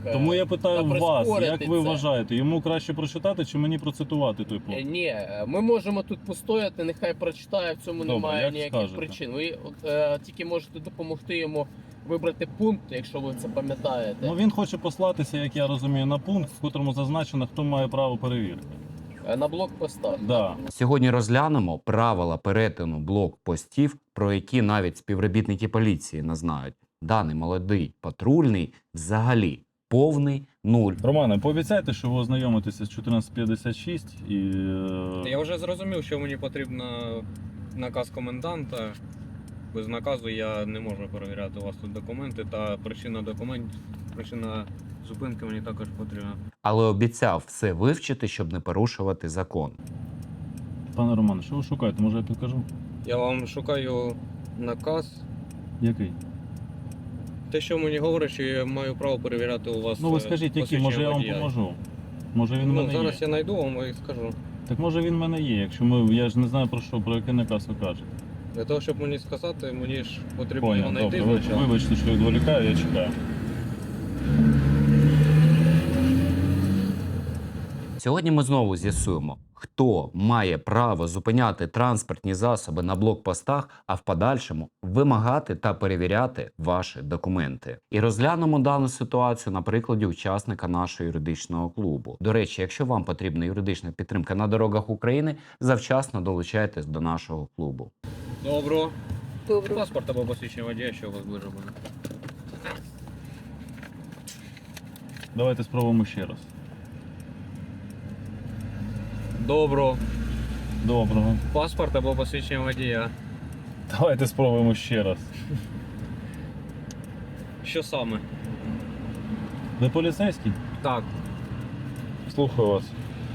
Тому я питаю та вас, як прискорити ви це. вважаєте, йому краще прочитати чи мені процитувати той пункт? Ні, ми можемо тут постояти, нехай прочитає, в цьому Добре, немає як ніяких скажете. причин. Ви тільки можете допомогти йому вибрати пункт, якщо ви це пам'ятаєте. Ну він хоче послатися, як я розумію, на пункт, в котрому зазначено, хто має право перевірки. На блокпостах. Да. Сьогодні розглянемо правила перетину блокпостів, про які навіть співробітники поліції не знають. Даний молодий патрульний взагалі повний нуль. Романе, пообіцяйте, що ви ознайомитеся з 1456 і... Я вже зрозумів, що мені потрібен наказ коменданта. Без наказу я не можу перевіряти у вас тут документи, та причина зупинки мені також потрібна. Але обіцяв все вивчити, щоб не порушувати закон. Пане Романе, що ви шукаєте? Може я підкажу? Я вам шукаю наказ. Який? Те, що мені говорить, що я маю право перевіряти у вас. Ну ви скажіть, який, може я вам водія. поможу. Може він в мене Зараз є. я знайду вам і скажу. Так може він в мене є, якщо я ж не знаю про який наказ ви кажете. Для того, щоб мені сказати, мені ж потрібно його Понял, знайти добре, спочатку. вибачте, що відволікаю, я чекаю. Сьогодні ми знову з'ясуємо, хто має право зупиняти транспортні засоби на блокпостах, а в подальшому вимагати та перевіряти ваші документи. І розглянемо дану ситуацію на прикладі учасника нашого юридичного клубу. До речі, якщо вам потрібна юридична підтримка на дорогах України, завчасно долучайтесь до нашого клубу. Добро. Добре. Паспорт або посвідчення водія, що у вас ближе буде. Давайте спробуємо ще раз. Добро. Доброго. Паспорт або посвідчення водія. Давайте спробуємо ще раз. Що саме? Ви поліцейський? Так. Слухаю вас.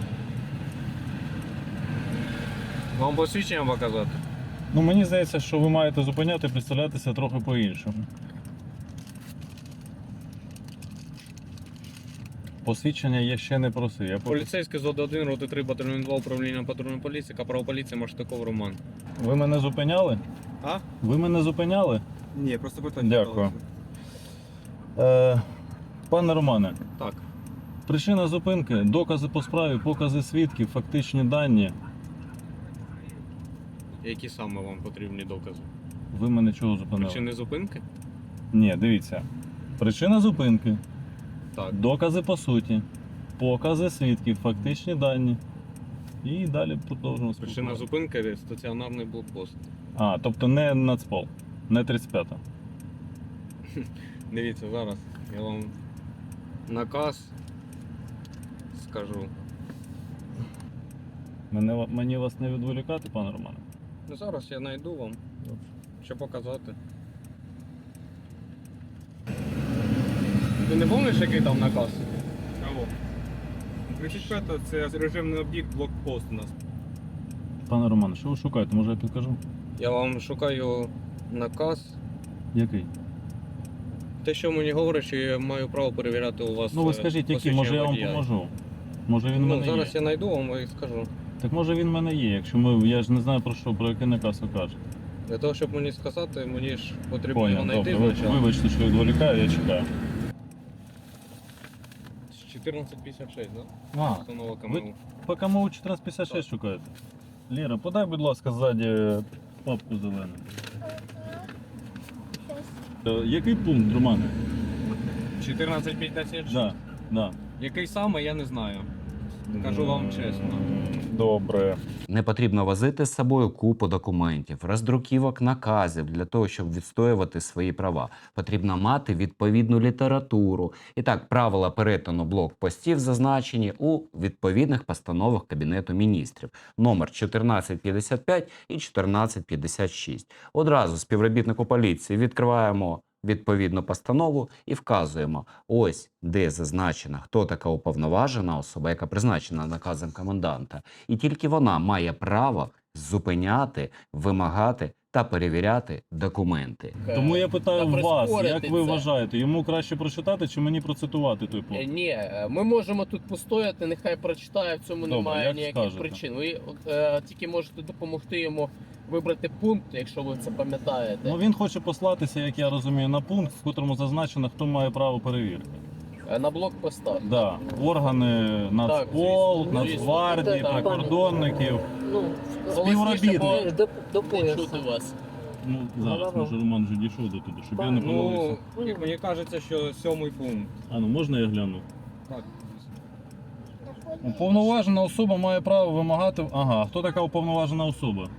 Вам посвідчення показати? Ну мені здається, що ви маєте зупиняти і представлятися трохи по-іншому. Посвідчення я ще не просив. Я Поліцейський ЗОД 1, роти 3, батальйон 2, управління патрульної поліції, капрал поліції, Маштаков Роман. Ви мене зупиняли? А? Ви мене зупиняли? Ні, просто питання. Дякую. Пане Романе, Так. причина зупинки, докази по справі, покази свідків, фактичні дані. Які саме вам потрібні докази? Ви мене чого зупинили? Причини зупинки? Ні, дивіться. Причина зупинки, Так. докази по суті, покази свідків, фактичні дані. І далі продовжуємо Причина спілкуватися. зупинки стаціонарний блокпост. А, тобто не Нацпол, не 35-та. Дивіться, зараз я вам наказ скажу. Мені вас не відволікати, пане Романе? Ну зараз я знайду вам, що показати. Ти не пам'ятаєш, який там наказ? Алло. 35 це режимний об'єкт, блокпост у нас. Пане Романе, що ви шукаєте? Може я підкажу? Я вам шукаю наказ. Який? Те, що мені говорить, що я маю право перевіряти у вас. Ну ви скажіть, який, може я вам водія. поможу. Може він в Ну мене зараз є. я знайду вам і скажу. Так може він в мене є, якщо я ж не знаю про який наказ ви кажете. Для того, щоб мені сказати, мені ж потрібно його Понял, знайти добре, спочатку. вибачте, що відволікаю, я чекаю. 1456, так? А, Установа КМУ. ви по КМУ 1456 шукаєте? Ліра, подай, будь ласка, ззаді папку зелену. Який пункт, Романе? 1456? Да, да. Який саме, я не знаю. Кажу вам чесно. Добре. Не потрібно возити з собою купу документів, роздруківок наказів для того, щоб відстоювати свої права. Потрібно мати відповідну літературу. І так, правила перетину блокпостів зазначені у відповідних постановах Кабінету міністрів. Номер 1455 і 1456. Одразу співробітнику поліції відкриваємо відповідну постанову і вказуємо, ось де зазначено, хто така уповноважена особа, яка призначена наказом коменданта. І тільки вона має право зупиняти, вимагати та перевіряти документи. Тому я питаю Та вас, прискорити як ви це. вважаєте, йому краще прочитати чи мені процитувати той пункт? Ні, ми можемо тут постояти, нехай прочитає, в цьому Добре, немає як ніяких скажете. причин. Ви тільки можете допомогти йому вибрати пункт, якщо ви це пам'ятаєте. Ну він хоче послатися, як я розумію, на пункт, в котрому зазначено, хто має право перевірки. На блокпостах. Да. Органи Нацпол, звісно. Нацгвардії, Так. прикордонників. Ну, Співробітник. до Не пояса. чути вас. Ну, зараз, може, Роман вже дійшов до туди, щоб я не помилився. Ну, як мені кажеться, що 7-й пункт. А ну можна я гляну? Так. Уповноважена особа має право вимагати. Ага, хто така уповноважена особа?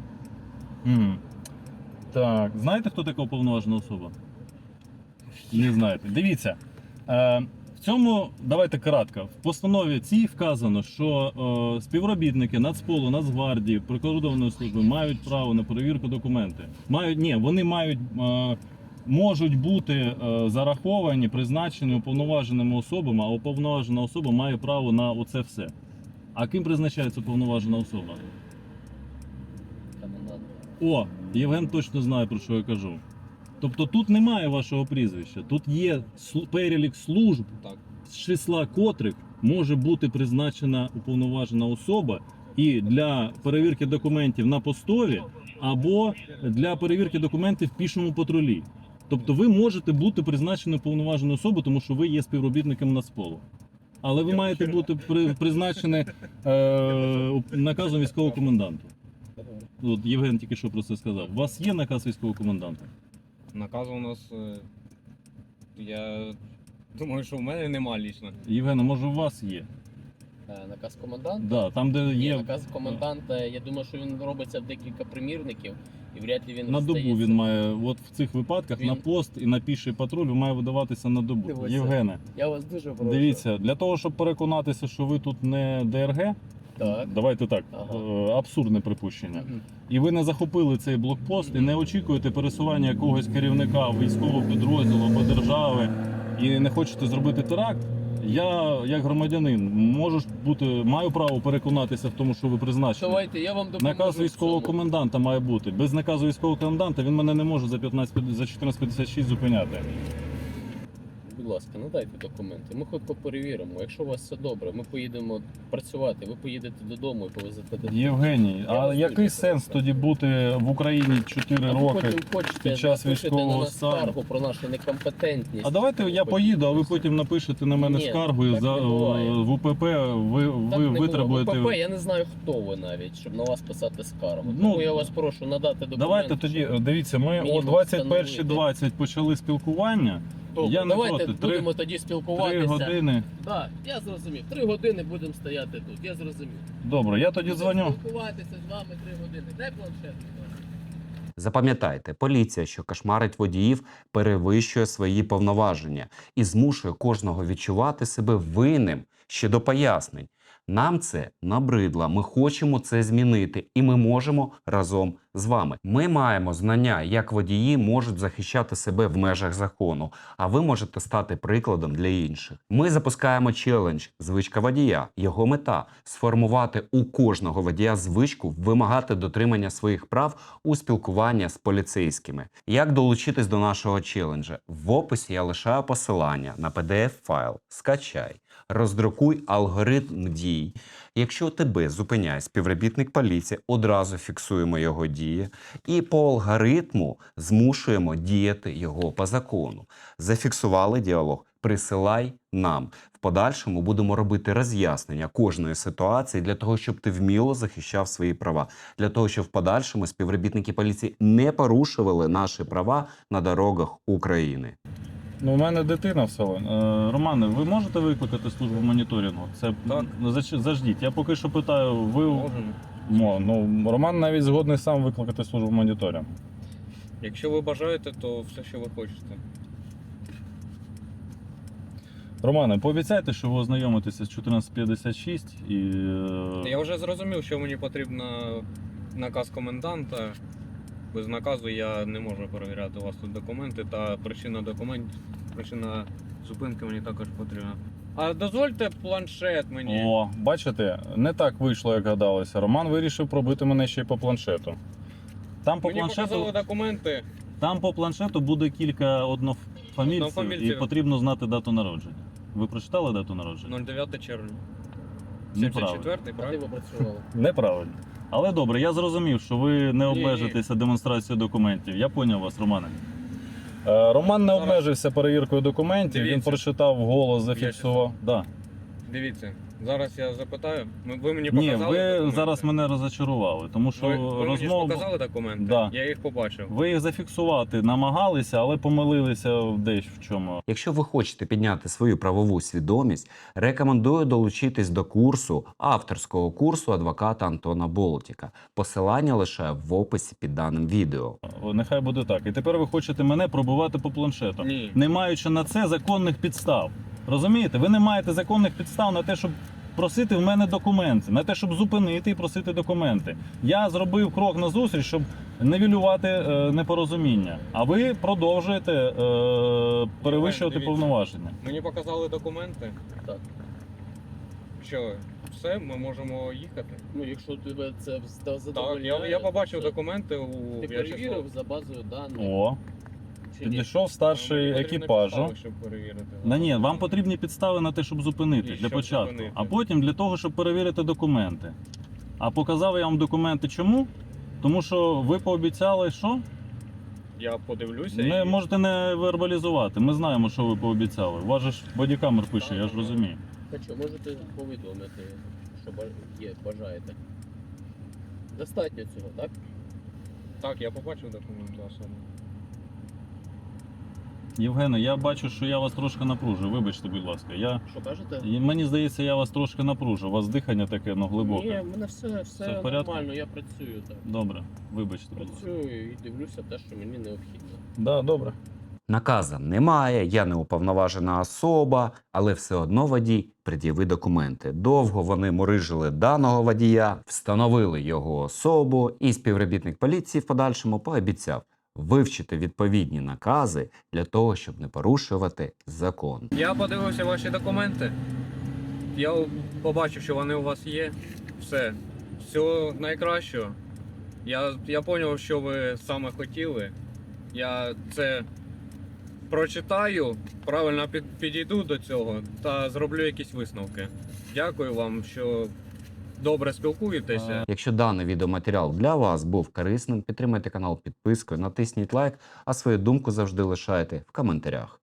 Так, знаєте, хто така уповноважена особа? Не знаєте. Дивіться. В цьому, давайте кратко. В постанові цій вказано, що співробітники Нацполу, Нацгвардії, прикордонної служби мають право на перевірку документів. Вони можуть бути зараховані, призначені уповноваженими особами, а уповноважена особа має право на оце все. А ким призначається уповноважена особа? Комендант. О, Євген точно знає, про що я кажу. Тобто тут немає вашого прізвища, тут є перелік служб, Так. з числа котрих може бути призначена уповноважена особа і для перевірки документів на постові або для перевірки документів в пішому патрулі. Тобто ви можете бути призначені уповноваженою особою, тому що ви є співробітником Нацполу. Але ви маєте бути призначені наказом військового коменданта. От Євген тільки що про це сказав. У вас є наказ військового коменданта? Наказ у нас. Я думаю, що в мене нема лічно. Євгена, може у вас є? Наказ коменданта? Да, там, де Ні, є наказ коменданта, я думаю, що він робиться в декілька примірників, і вряд ли він на добу розстається. він має, от в цих випадках на Він- пост і на піший патруль має видаватися на добу. Дивися. Євгене, Я вас дуже прошу. дивіться, для того, щоб переконатися, що ви тут не ДРГ, Так. давайте так, Ага. абсурдне припущення. Мгм. І ви не захопили цей блокпост і не очікуєте пересування якогось керівника військового підрозділу або держави і не хочете зробити теракт. Я, як громадянин, маю право переконатися в тому, що ви призначені. Давайте, я вам допоможу. Наказ в військового цьому. коменданта має бути. Без наказу військового коменданта він мене не може за 1456 зупиняти. Будь ласка, надайте документи. Ми хутко перевіримо. Якщо у вас все добре, ми поїдемо працювати. Ви поїдете додому і повезете дитину. Євгеній, Я а вас який дуже сенс прошу. тоді бути в Україні 4 А ви роки? потім хочете під час напишете військового на нас стану. скаргу про нашу некомпетентність. А давайте я поїду, а ви потім напишете на мене Ні, скаргу і так не буває. в УПП ви Так не було. витребуєте. ВПП, я не знаю, хто ви навіть, щоб на вас писати скаргу. Ну, Тому я вас прошу надати документи. Давайте тоді, щоб- дивіться, ми о мінімум 21:20 почали спілкування. Добре, я не давайте проти. будемо тоді 3 спілкуватися. години. Так, я зрозумів. 3 години будемо стояти тут, я зрозумів. Добре, я тоді Будемо дзвоню. спілкуватися з вами 3 години. Дай планшет. будь ласка. Запам'ятайте, поліція, що кошмарить водіїв, перевищує свої повноваження і змушує кожного відчувати себе винним ще до пояснень. Нам це набридло, ми хочемо це змінити, і ми можемо разом з вами. Ми маємо знання, як водії можуть захищати себе в межах закону, а ви можете стати прикладом для інших. Ми запускаємо челендж «Звичка водія». Його мета – сформувати у кожного водія звичку вимагати дотримання своїх прав у спілкуванні з поліцейськими. Як долучитись до нашого челенджа? В описі я лишаю посилання на PDF-файл. Скачай. Роздрукуй алгоритм дій. Якщо тебе зупиняє співробітник поліції, одразу фіксуємо його дії і по алгоритму змушуємо діяти його по закону. Зафіксували діалог? Присилай нам. В подальшому будемо робити роз'яснення кожної ситуації для того, щоб ти вміло захищав свої права. Для того, щоб в подальшому співробітники поліції не порушували наші права на дорогах України. Ну, у мене дитина в селі. Романе, ви можете викликати службу моніторингу? Це Так. Заждіть. Я поки що питаю, ви Можемо. Ну, Роман навіть згодний сам викликати службу моніторингу. Якщо ви бажаєте, то все, що ви хочете. Романе, пообіцяйте, що ви ознайомитеся з 1456 і. Я вже зрозумів, що мені потрібно наказ коменданта. Без наказу я не можу перевіряти у вас тут документи, та причина зупинки мені також потрібна. А дозвольте планшет мені. О, бачите, не так вийшло, як гадалося. Роман вирішив пробити мене ще й по планшету. Там по Мені планшету. показали документи. Там по планшету буде кілька однофамільців, і Однофамільців. потрібно знати дату народження. Ви прочитали дату народження? 09 червня. Неправильно. 74-й, А де правильно? ви працювали? Неправильно. Але добре, я зрозумів, що ви не Ні. обмежитеся демонстрацією документів. Я поняв вас, Романе. Роман не Зараз- обмежився перевіркою документів, він Дивіться. прочитав голос, зафіксував. Да. Дивіться, зараз я запитаю. Ви мені Ні, показали ви документи? зараз мене розчарували, тому що Ви мені ж розмова. показали документи? Да. Я їх побачив. Ви їх зафіксувати намагалися, але помилилися десь в чому. Якщо ви хочете підняти свою правову свідомість, рекомендую долучитись до курсу, авторського курсу адвоката Антона Болтіка. Посилання лише в описі під даним відео. Нехай буде так. І тепер ви хочете мене пробувати по планшету, Ні. не маючи на це законних підстав. Розумієте? Ви не маєте законних підстав на те, щоб просити в мене документи, на те, щоб зупинити і просити документи. Я зробив крок назустріч, щоб нивелювати непорозуміння. А ви продовжуєте перевищувати Дивіться. повноваження. Мені показали документи. Так. Що, все, ми можемо їхати? Ну, якщо тебе це Так, задовольняє, я побачив то документи у Ти перевірив за базою даних. О, Чи ні? підійшов старший Мені потрібні екіпажу. підстави, щоб перевірити. Ні, вам потрібні підстави на те, щоб зупинити І для щоб початку, зупинити. а потім для того, щоб перевірити документи. А показав я вам документи чому? Тому що ви пообіцяли, що? Я подивлюся Не і... можете не вербалізувати. Ми знаємо, що ви пообіцяли. У вас же ж бодікамер пише, я ж розумію. Та що, можете повідомити, що бажаєте. Достатньо цього, так? Так, я побачив документи особи. Євгене, я бачу, що я вас трошки напружую. Вибачте, будь ласка. Що кажете? Мені здається, я вас трошки напружу. У вас дихання таке, глибоке. Ні, в мене все в порядку? нормально, я працюю так. Добре, вибачте, будь ласка. Працюю і дивлюся те, що мені необхідно. Да, добре. Наказа немає, я не уповноважена особа, але все одно водій пред'яви документи. Довго вони мурижили даного водія, встановили його особу, і співробітник поліції в подальшому пообіцяв вивчити відповідні накази для того, щоб не порушувати закон. Я подивився ваші документи. Я побачив, що вони у вас є. Все. Всього найкращого. Я зрозумів, що ви саме хотіли. Я це прочитаю, правильно підійду до цього та зроблю якісь висновки. Дякую вам, що добре спілкуєтеся. Якщо даний відеоматеріал для вас був корисним, підтримайте канал підпискою, натисніть лайк, а свою думку завжди лишайте в коментарях.